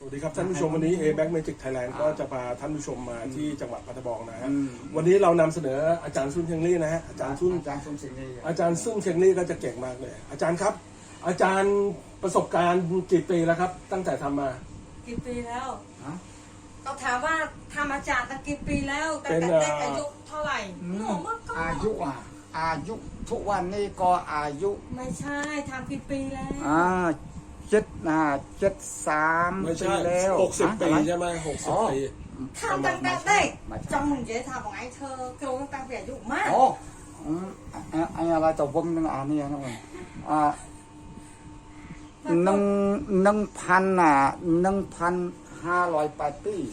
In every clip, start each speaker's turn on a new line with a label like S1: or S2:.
S1: วัสดีครับท่านผู้ชมวันนี้ A-Bank Magic Thailand ก็จะพาท่านผู้ชมมาที่จังหวัดพัทยานะฮะวันนี้เรานำเสนออาจารย์ซุนเชงลี่นะฮะอาจารย์ซุนเชงลี่ก็จะเก่งมากเลยอาจารย์ครับอาจารย์ประสบการณ์กี่ปีแล้วครับตั้งแต่ทำมา
S2: กี่ปีแล้วก็ถามว่าทำอาจารย์ตั้งกี่ปีแล้วแต่อายุเท่าไหร่หนูมากก็
S3: อายุทุกวันนี้ก็อายุ
S2: ไม่ใช่ทำกี่ปีแล้ว
S3: 73
S1: ไม่ใช่
S3: ปีแล้ว
S1: 60 ปีใช่ไหม60 ปี
S2: ทำตั้งแต่เด็กจำมึงเจ๊ทำของไอ้เธอเกี่ยวกับตั้งแต่อายุมาก
S3: ไอ้อะไรตัวผมนึงนี่นะผม1,508 ปี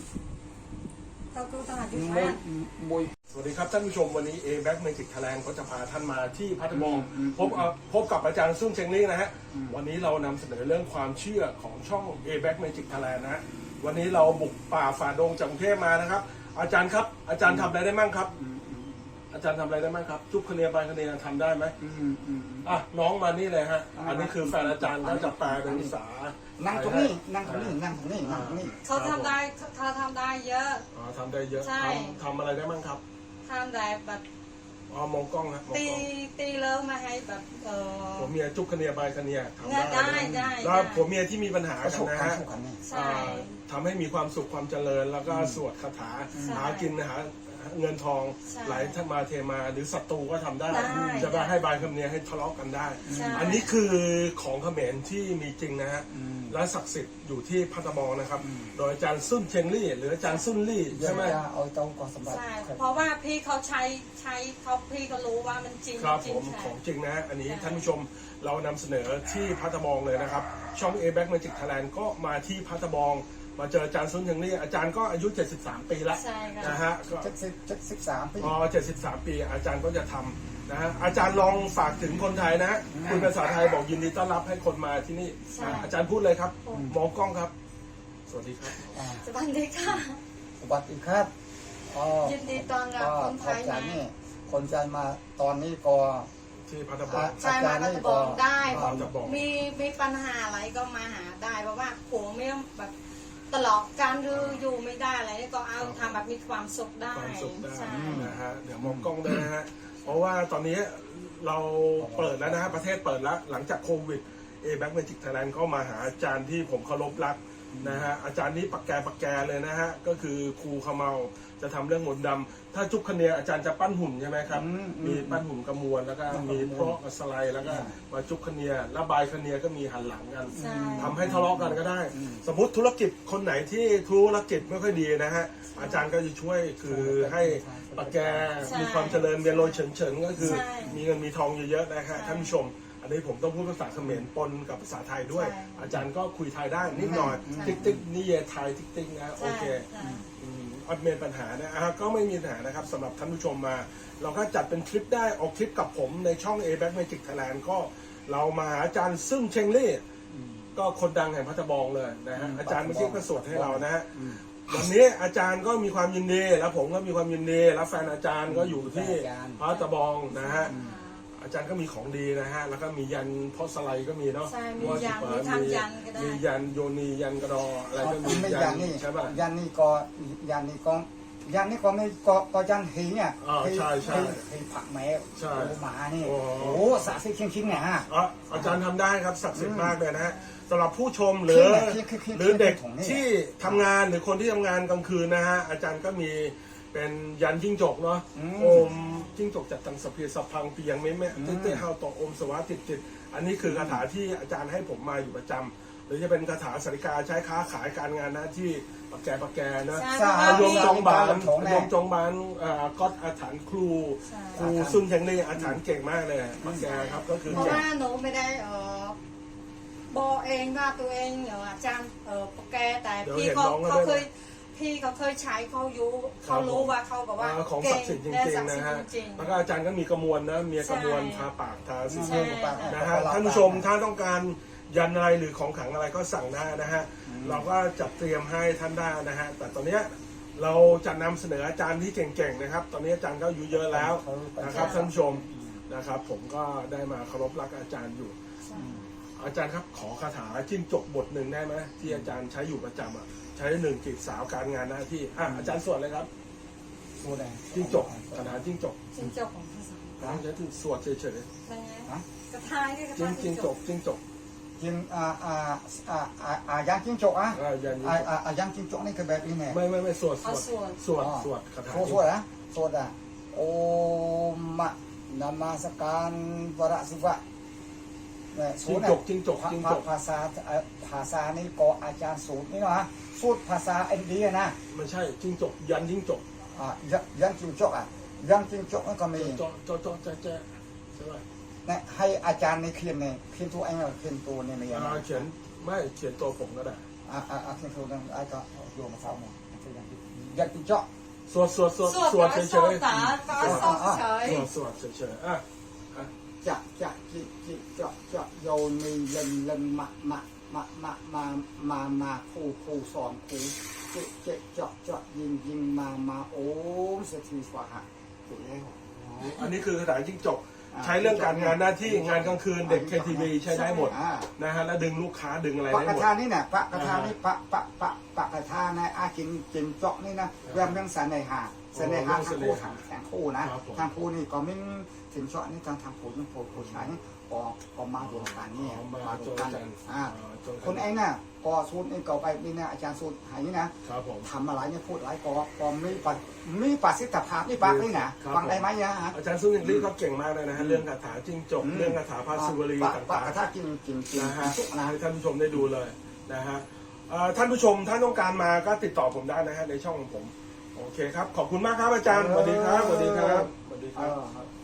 S1: สวัสดีครับท่านผู้ชมวันนี้ A-Bank Magic Thailand ก็จะพาท่านมาที่พัทยาพบกับอาจารย์ซุนเชงลี่นะฮะวันนี้เรานำเสนอเรื่องความเชื่อของช่อง A-Bank Magic Thailand นะฮะวันนี้เราบุกป่าฝ่าดงจากกรุงเทพมานะครับอาจารย์ครับอาจารย์ทำอะไรได้มั่งครับอาจารย์ทำอะไรได้มั่งครับจุบคะเนียบายคะเนียทำได้ไหมน้องมานี่เลยฮะอันนี้คือแฟนอาจารย์เขาจะแปลเป็นภาษา
S3: นั่งตรงนี้
S2: เขาทำได้เยอะ
S1: ทำได้เยอะทำอะไรได้มั่งครับ
S2: ทำได้แบบ
S1: มองกล้องนะ
S2: ตีเลิกมาให้แบบ
S1: ผมเมียจุกคะเนียบายคะเนียทำ
S2: ได้
S1: แล้วผมเมียที่มีปัญหากันนะฮะทำให้มีความสุขความเจริญแล้วก็สวดคาถาหากินหาเงินทองไหลมาเทมาหรือศัตรูก็ทำได้จะไปให้บายคำเนียให้ทะเลาะกันได้อันนี้คือของเขมรที่มีจริงนะฮะและศักดิ์สิทธิ์อยู่ที่พัทยานะครับโดยอาจารย์ซุนเชงลี่หรืออาจารย์ซุนลี่ใช่ไหม
S3: เอาตรงก่อนสมบัติ
S2: เพราะว่าพี่เขาใช้พี่ก็รู้ว่ามันจริง
S1: ครับผมของจริงนะอันนี้ท่านผู้ชมเรานำเสนอที่พัทยาเลยนะครับช่อง A-Bank Magic Thailand ก็มาที่พัทยามาเจออาจารย์ซุนเชงลี่อาจารย์ก็อายุ73 ปีแล้วนะฮะก็
S3: 73 ปี
S1: 73 ปีอาจารย์ก็จะทำนะฮะอาจารย์ลองฝากถึงคนไทยนะคุณภาษาไทยบอกยินดีต้อนรับให้คนมาที่นี่อาจารย์พูดเลยครับมองกล้องครับสวัสดีครับ
S2: สวัสดีค่ะ
S3: สวัสดีครับ
S2: ยินดีต้อนรับคนไทยนะ
S3: คนใจมาตอนนี้ก็
S1: ที่พัทยา
S2: ใช่มาพัทยาได้มีปัญหาอะไรก็มาหาได้เพราะว่าผมไม่แบบตลอดการอยู่ไม่ได้อะไรก็เอาทำแบบมีความสุขได้
S1: นะฮะเดี๋ยวมองกล้องด้วยนะฮะเพราะว่าตอนนี้เราเปิดแล้วนะฮะประเทศเปิดแล้วหลังจากโควิด A-Bank Magic Thailand เข้ามาหาอาจารย์ที่ผมเคารพรักนะฮะอาจารย์นี้ปักแกเลยนะฮะก็คือครูขมเมาจะทำเรื่องมนต์ดำถ้าจุกคะเนียอาจารย์จะปั้นหุ่นใช่ไหมครับมีปั้นหุ่นกระมวลแล้วก็มีเพราะสไลด์แล้วก็มาจุกคะเนียแล้วบายคะเนียก็มีหันหลังกันทำให้ทะเลาะกันก็ได้สมมติธุรกิจคนไหนที่ธุรกิจไม่ค่อยดีนะฮะอาจารย์ก็จะช่วยคือให้ปักแกมีความเจริญเรียนโรยเฉินก็คือมีเงินมีทองเยอะๆนะฮะท่านผู้ชมอันนี้ผมต้องพูดภาษาเขมรปนกับภาษาไทยด้วยอาจารย์ก็คุยไทยได้นิดหน่อยติ๊กนี่เยไทยติ๊กนะโอเคอัดเมนปัญหานะก็ไม่มีปัญหานะครับสำหรับท่านผู้ชมมาเราก็จัดเป็นคลิปได้ออกคลิปกับผมในช่อง A-Bank Magic Thailand ก็เรามาหาอาจารย์ซึ่งเชงลี่ก็คนดังแห่งพัทยาเลยนะฮะอาจารย์เมื่อกี้ก็สวดให้เรานะฮะวันนี้อาจารย์ก็มีความยินดีแล้วผมก็มีความยินดีแล้วแฟนอาจารย์ก็อยู่ที่พัทยานะฮะอาจารย์ก็มีของดีนะฮะแล้วก็มียันพอสไลก็มีเนาะ
S2: มียัน
S1: มียันโยนียันกระดออะไรก็มี
S3: ยันนี่ใช่ป่ะยันนี่ก็ไม่ก็ยันหีเนี่ย
S1: ใช่
S3: หีผักแมวหมานี่
S1: โอ้
S3: ศักดิ์สิทธิ์จริงๆเนี่ย
S1: อาจารย์ทำได้ครับศักดิ์สิทธิ์มากเลยนะฮะสำหรับผู้ชมหรือเด็กที่ทำงานหรือคนที่ทำงานกลางคืนนะฮะอาจารย์ก็มีเป็นยันจิ้งจกเนาะโอมจิ้งจกจัดตังสเปียสพังเปียงไม่เต้เฮาต่ออมสวัสดิ์ติดอันนี้คือคาถาที่อาจารย์ให้ผมมาอยู่ประจำหรือจะเป็นคาถาสาริกาใช้ค้าขายการงานหน้าที่ปักแกนะโยมจองบานก็อาถรรพ์ครูซุนเชงลี่อาถรรพ์เก่งมากเลยปักแกครับก็คือ
S2: เพราะว่าหนูไม่ได้บอกเองว่าตัวเองอาจารย์ปักแกแต่พี่เขาเคยใช้เขารู้ว่าเขาบอกว่า
S1: ของศักดิ์สิทธิ์จริงๆนะฮะแล้วก็อาจารย์ก็มีกระมวลนะมีกระมวลทาปากทาสีนะฮะท่านผู้ชมถ้าต้องการยันอะไรหรือของขลังอะไรก็สั่งได้นะฮะเราก็จัดเตรียมให้ท่านได้นะฮะแต่ตอนนี้เราจะนำเสนออาจารย์ที่เก่งๆนะครับตอนนี้อาจารย์ก็อายุเยอะแล้วนะครับท่านผู้ชมนะครับผมก็ได้มาเคารพรักอาจารย์อยู่อาจารย์ครับขอคาถาจิ้งจกบทหนึ่งได้ไหมที่อาจารย์ใช้อยู่ประจำอ่ะใช้หนึ่งจีบสาวการงานหน้าที่อาจารย์สวดเลยครับ
S3: โซแดง
S1: จิ้งจกคาถาจิ้งจก
S2: จิ้งจกของภาษา
S1: ใช้ถึงสวดเฉย
S2: เป็นไงกระทายด้วยกระ
S1: ๆจิ้
S2: ทาง ย
S1: จิ้งจกจิ้งจก
S3: จิงย่างจิ้งจกอ่ะ
S1: ยัน
S3: ย่างจิ้งจกนี่คือแบบนี้ไง
S1: ไม่สวด
S2: เอาส่วน
S1: สวดคาถา
S3: โซดอ่ะโซดอ่ะโอมะนามาสการวรศิวะ
S1: จิ้งจกจิ้งจกจิ้งจก
S3: ภาษานี่ก็อาจารย์สูตรนี่นะสูตรภาษาอินเดียนะ
S1: ไม่ใช่จิ้งจกยันจิ้งจก
S3: ย่างจิ้งจกอ่ะย่างจิ้งจกนั่นก็มี
S1: จอแจ๊ใช่ไหม
S3: เนี่ยให้อาจารย์ในเขียนเนี่ยเขียนตัวเองเขียนตัวเนี่ยไม่ยัง
S1: เขียนไม่เขียนตัวผมก็ได้
S3: เขียนตัวนั้นไอ้ก็โยมมาเท้าเนี่ยย่างจิ้งจก
S1: สวดเฉย
S2: สวดตาก็สวดเฉย
S1: สวดเฉยอ่ะ
S3: จะจะโยนมีเล่นมาคู่สอนคู่เจาะยิงมาโอ้เสถีสวะฮะถูกแล้ว
S1: อันนี้คือคาถาจิ้งจกใช้เรื่องการงานหน้าที่งานกลางคืนเด็ก KTV ใช้ได้หมดนะฮะแล้วดึงลูกค้าดึงอะไร
S3: พระ
S1: ได้
S3: ก
S1: หมด
S3: ระทานี่เนี่ยพระกระทานี่พระกระทาในอาจิงเจาะนี่นะเรื่องสันในหาทางคู่นะทางคู่นี่ก็ไม่ถึงเจาะนี่ทางคู่ยังผู้ชายนี่ก็มาดูกันเนี่ยมาดูกันคนเองน่ะก็สูตรนี่ก็ไปนี่นะอาจารย์สูตรหายนี่นะครับ
S1: ผม
S3: ทำอะไรเนี่ยพูดอะไรก็มีประสิทธิภาพนี่ปากนี่นะฟังได้ไหมเนี่ยฮะ
S1: อาจารย์ซุนยิงลี่ก็เก่งมากเลยนะฮะเรื่องคาถาจิ้งจกเรื่องคาถาพาสุวรี
S3: ปะ
S1: ต่าง
S3: กระทากิน
S1: ๆนะฮะ
S3: สุกนะ
S1: ให้ท่านผู้ชมได้ดูเลยนะฮะท่านผู้ชมถ้าต้องการมาก็ติดต่อผมได้นะฮะในช่องของผมโอเคครับขอบคุณมากครับอาจารย์สวัสดีครับสวัสดีครับสวัสดีครับ